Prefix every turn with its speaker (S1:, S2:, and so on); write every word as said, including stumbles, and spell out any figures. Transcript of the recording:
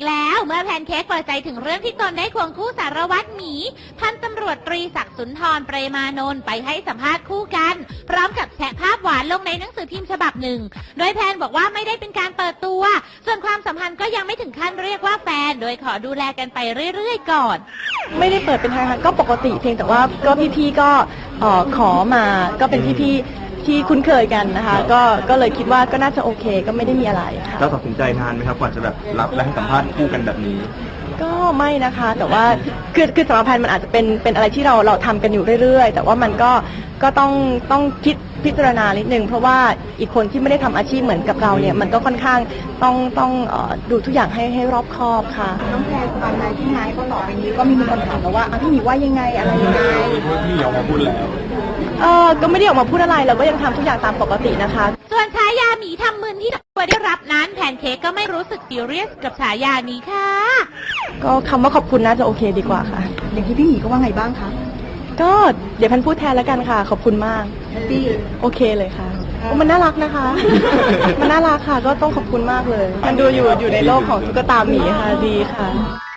S1: กแล้วเมื่อแพนเค้กเปิดใจถึงเรื่องที่ตนได้ควงคู่สารวัตรหมีพันตำรวจตรีศักดิ์สุนทรเปรมานนท์ไปให้สัมภาษณ์คู่กันพร้อมกับแชะภาพหวานลงในหนังสือพิมพ์ฉบับหนึ่งโดยแพนบอกว่าไม่ได้เป็นการเปิดตัวส่วนความสัมพันธ์ก็ยังไม่ถึงขั้นเรียกว่าแฟนโดยขอดูแลกันไปเรื่อยๆก่อน
S2: ไม่ได้เปิดเป็นทางการก็ปกติเพียงแต่ว่าก็พี่ๆก็เอ่อขอมาก็เป็นพี่ๆที่คุ้นเคยกันนะคะก็ก็เลยคิดว่าก็น่าจะโอเคก็ไม่ได้มีอะไรค่ะ
S3: เราตัดสินใจนานไหมครับกว่าจะแบบรับและให้สัมภาษณ์คู่กันแบบนี้
S2: ก็ไม่นะคะแต่ว่าคือคือสำหรับแพนมันอาจจะเป็นเป็นอะไรที่เราเราทำกันอยู่เรื่อยๆแต่ว่ามันก็ก็ต้องต้องคิดพิจารณานิดนึงเพราะว่าอีกคนที่ไม่ได้ทำอาชีพเหมือนกับเราเนี่ยมันก็ค่อนข้างต้องต้องเอ่อดูทุกอย่างให้ให้รอบคอบค่ะ
S4: น้องแพรตอนนั้นที่ไม้ก็ต่อไปนี้ก็มีคนถามมาว่าพี่หมีว่ายังไงอะไรยังไง
S3: พี่ออกมาพูดแล้ว
S2: เออก็ไม่ได้ออกมาพูดอะไรเราก็ยังทำทุกอย่างตามปกตินะคะ
S1: ส่วนฉายาหมีทำมึนที่ตัวได้รับนั้นแพนเค้กก็ไม่รู้สึกซีเรียสกับฉายานี้ค่ะ
S2: ก็คำว่าขอบคุณน่าจะโอเคดีกว่าค่ะ
S4: อย่างที่พี่หมีก็ว่าไงบ้างคะ
S2: ก็เดี๋ยวแพนพูดแทนแล้วกันค่ะขอบคุณมาก
S4: พี่
S2: โอเคเลยค่ะมันน่ารักนะคะ มันน่ารักค่ะก็ต้องขอบคุณมากเลยมันดูอยู่อยู่ในโลกของตุ๊กตาหมีค่ะดีค่ะ